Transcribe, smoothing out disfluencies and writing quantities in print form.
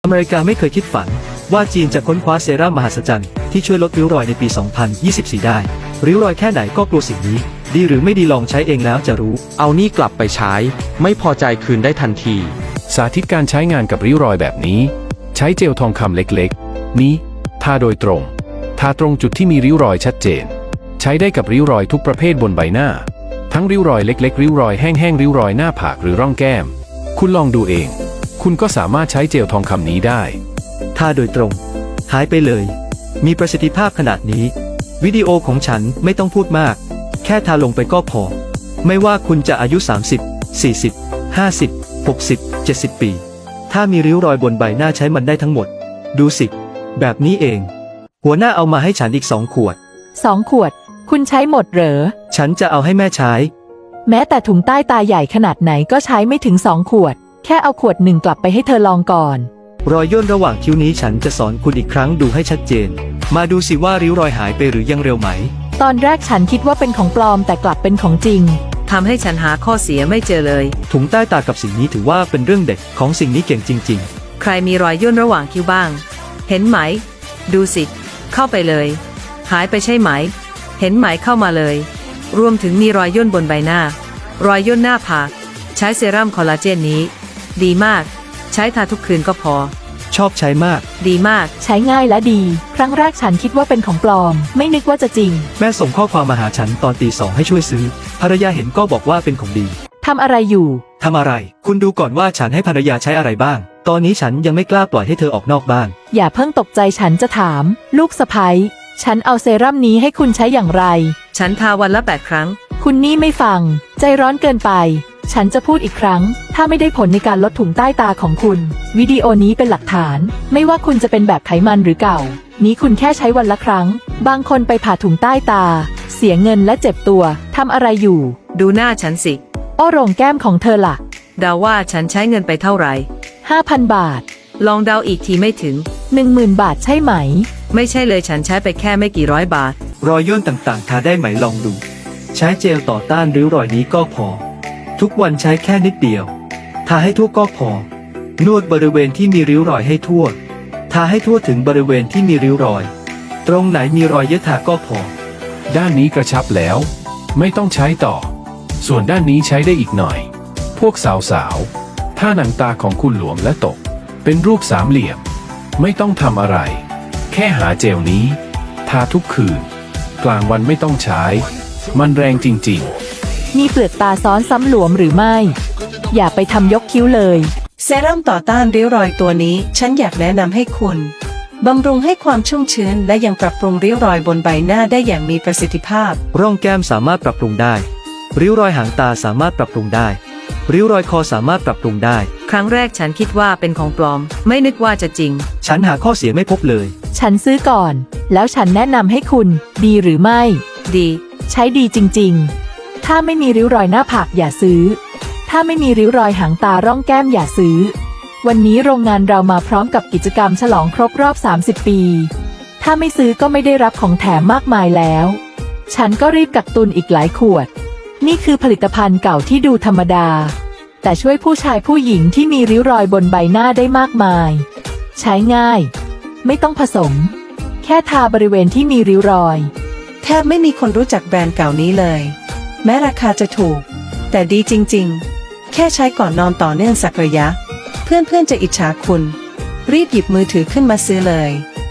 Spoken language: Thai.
อเมริกาไม่เคยคิดฝันว่าจีนจะค้นคว้าเซรั่มมหัศจรรย์ที่ช่วยลดริ้วรอยในปี 2024 ได้ริ้วรอยแค่ไหนก็กลัวสิ่งนี้ดีหรือไม่ดีลองใช้เองแล้วจะรู้เอานี่กลับไปใช้ไม่พอใจคืนได้ทันทีสาธิตการใช้งานกับริ้วรอยแบบนี้ใช้เจลทองคำเล็กๆนี้ทาโดยตรงทาตรงจุดที่มีริ้วรอยชัดเจนใช้ได้กับริ้วรอยทุกประเภทบนใบหน้าทั้งริ้วรอยเล็กๆริ้วรอยแห้งๆริ้วรอยหน้าผากหรือร่องแก้มคุณลองดูเองคุณก็สามารถใช้เจลทองคำนี้ได้ทาโดยตรงหายไปเลยมีประสิทธิภาพขนาดนี้วิดีโอของฉันไม่ต้องพูดมากแค่ทาลงไปก็พอไม่ว่าคุณจะอายุ30 40 50 60 70 ปีถ้ามีริ้วรอยบนใบหน้าใช้มันได้ทั้งหมดดูสิแบบนี้เองหัวหน้าเอามาให้ฉันอีก2 ขวด 2 ขวดคุณใช้หมดเหรอฉันจะเอาให้แม่ใช้แม้แต่ถุงใต้ตาใหญ่ขนาดไหนก็ใช้ไม่ถึง2 ขวดแค่เอาขวด1กลับไปให้เธอลองก่อนรอยย่นระหว่างคิ้วนี้ฉันจะสอนคุณอีกครั้งดูให้ชัดเจนมาดูสิว่าริ้วรอยหายไปหรือยังเร็วไหมตอนแรกฉันคิดว่าเป็นของปลอมแต่กลับเป็นของจริงทำให้ฉันหาข้อเสียไม่เจอเลยถุงใต้ตากับสิ่งนี้ถือว่าเป็นเรื่องเด็กของสิ่งนี้เก่งจริงๆใครมีรอยย่นระหว่างคิ้วบ้างเห็นไหมดูสิเข้าไปเลยหายไปใช่ไหมเห็นไหมเข้ามาเลยรวมถึงมีรอยย่นบนใบหน้ารอยย่นหน้าผากใช้เซรั่มคอลลาเจนนี้ดีมากใช้ทาทุกคืนก็พอชอบใช้มากดีมากใช้ง่ายและดีครั้งแรกฉันคิดว่าเป็นของปลอมไม่นึกว่าจะจริงแม่ส่งข้อความมาหาฉันตอนตี 2ให้ช่วยซื้อภรรยาเห็นก็บอกว่าเป็นของดีทำอะไรอยู่ทำอะไรคุณดูก่อนว่าฉันให้ภรรยาใช้อะไรบ้างตอนนี้ฉันยังไม่กล้าปล่อยให้เธอออกนอกบ้านอย่าเพิ่งตกใจฉันจะถามลูกสะใภ้ฉันเอาเซรั่มนี้ให้คุณใช้อย่างไรฉันทาวันละ8 ครั้งคุณนี่ไม่ฟังใจร้อนเกินไปฉันจะพูดอีกครั้งถ้าไม่ได้ผลในการลดถุงใต้ตาของคุณวิดีโอนี้เป็นหลักฐานไม่ว่าคุณจะเป็นแบบไขมันหรือเก่านี้คุณแค่ใช้วันละครั้งบางคนไปผ่าถุงใต้ตาเสียเงินและเจ็บตัวทำอะไรอยู่ดูหน้าฉันสิโอ้โรงแก้มของเธอล่ะเดาว่าฉันใช้เงินไปเท่าไหร่ 5,000 บาทลองเดาอีกทีไม่ถึง 10,000 บาทใช่ไหมไม่ใช่เลยฉันใช้ไปแค่ไม่กี่ร้อยบาทรอยย่นต่างๆทาได้ไหมลองดูใช้เจลต่อต้านริ้วรอยนี้ก็พอทุกวันใช้แค่นิดเดียวทาให้ทั่วก็พอนวดบริเวณที่มีริ้วรอยให้ทั่วทาให้ทั่วถึงบริเวณที่มีริ้วรอยตรงไหนมีรอยเยอะทาก็พอด้านนี้กระชับแล้วไม่ต้องใช้ต่อส่วนด้านนี้ใช้ได้อีกหน่อยพวกสาวๆถ้าหนังตาของคุณหลวมและตกเป็นรูปสามเหลี่ยมไม่ต้องทำอะไรแค่หาเจลนี้ทาทุกคืนกลางวันไม่ต้องใช้มันแรงจริงๆมีเปลือกตาซ้อนซ้ำหลวมหรือไม่อย่าไปทำยกคิ้วเลยเซรั่มต่อต้านริ้วรอยตัวนี้ฉันอยากแนะนำให้คุณบำรุงให้ความชุ่มชื้นและยังปรับปรุงริ้วรอยบนใบหน้าได้อย่างมีประสิทธิภาพร่องแก้มสามารถปรับปรุงได้ริ้วรอยหางตาสามารถปรับปรุงได้ริ้วรอยคอสามารถปรับปรุงได้ครั้งแรกฉันคิดว่าเป็นของปลอมไม่นึกว่าจะจริงฉันหาข้อเสียไม่พบเลยฉันซื้อก่อนแล้วฉันแนะนำให้คุณดีหรือไม่ดีใช้ดีจริงๆถ้าไม่มีริ้วรอยหน้าผากอย่าซื้อถ้าไม่มีริ้วรอยหางตาร่องแก้มอย่าซื้อวันนี้โรงงานเรามาพร้อมกับกิจกรรมฉลองครบรอบ30 ปีถ้าไม่ซื้อก็ไม่ได้รับของแถมมากมายแล้วฉันก็รีบกักตุนอีกหลายขวดนี่คือผลิตภัณฑ์เก่าที่ดูธรรมดาแต่ช่วยผู้ชายผู้หญิงที่มีริ้วรอยบนใบหน้าได้มากมายใช้ง่ายไม่ต้องผสมแค่ทาบริเวณที่มีริ้วรอยแทบไม่มีคนรู้จักแบรนด์เก่านี้เลยแม้ราคาจะถูกแต่ดีจริงๆแค่ใช้ก่อนนอนต่อเนื่องสักระยะเพื่อนๆจะอิจฉาคุณรีบหยิบมือถือขึ้นมาซื้อเลย